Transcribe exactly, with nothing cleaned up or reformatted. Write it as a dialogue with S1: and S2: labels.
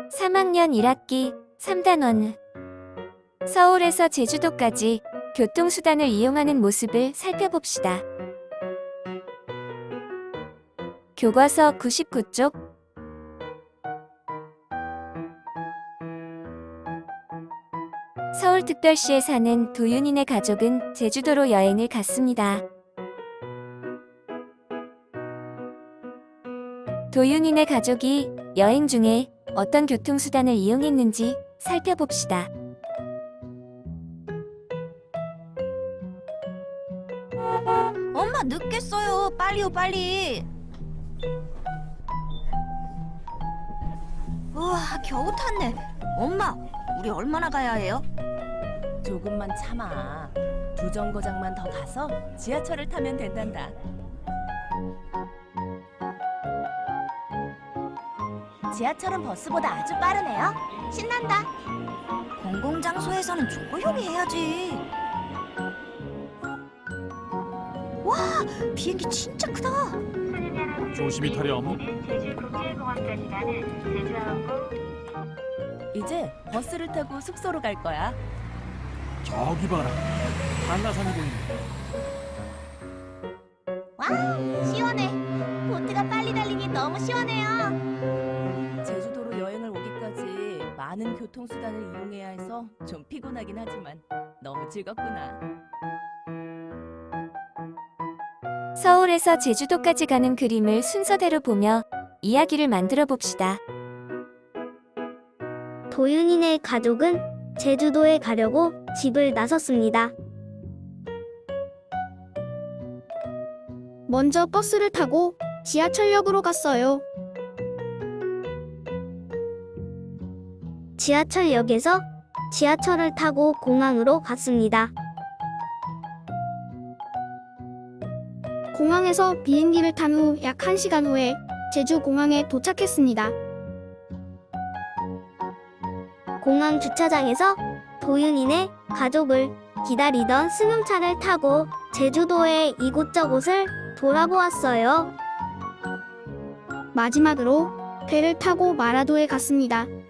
S1: 삼 학년 일 학기 삼 단원. 서울에서 제주도까지 교통수단을 이용하는 모습을 살펴봅시다. 교과서 구십구 쪽. 서울특별시에 사는 도윤이네 가족은 제주도로 여행을 갔습니다. 도윤이네 가족이 여행 중에 어떤 교통수단을 이용했는지 살펴봅시다.
S2: 엄마 늦겠어요. 빨리요 빨리. 우와 겨우 탔네. 엄마 우리 얼마나 가야 해요?
S3: 조금만 참아. 두 정거장만 더 가서 지하철을 타면 된단다. 지하철은 버스보다 아주 빠르네요. 신난다.
S2: 공공장소에서는 조용히 해야지. 와 비행기 진짜 크다.
S4: 조심히 타렴.
S5: 제주국제공항까지 가는 제주항공.
S3: 이제 버스를 타고 숙소로 갈 거야.
S4: 저기 봐라. 한라산이 보이네.
S2: 와 시원해. 보트가 빨리 달리니 너무 시원해요.
S3: 제주도로 여행을 오기까지 많은 교통수단을 이용해야 해서 좀 피곤하긴 하지만 너무 즐겁구나.
S1: 서울에서 제주도까지 가는 그림을 순서대로 보며 이야기를 만들어 봅시다.
S6: 도윤이네 가족은 제주도에 가려고 집을 나섰습니다. 먼저 버스를 타고 지하철역으로 갔어요. 지하철역에서 지하철을 타고 공항으로 갔습니다. 공항에서 비행기를 탄 후 약 한 시간 후에 제주공항에 도착했습니다. 공항 주차장에서 도윤이네 가족을 기다리던 승용차를 타고 제주도의 이곳저곳을 돌아보았어요. 마지막으로 배를 타고 마라도에 갔습니다.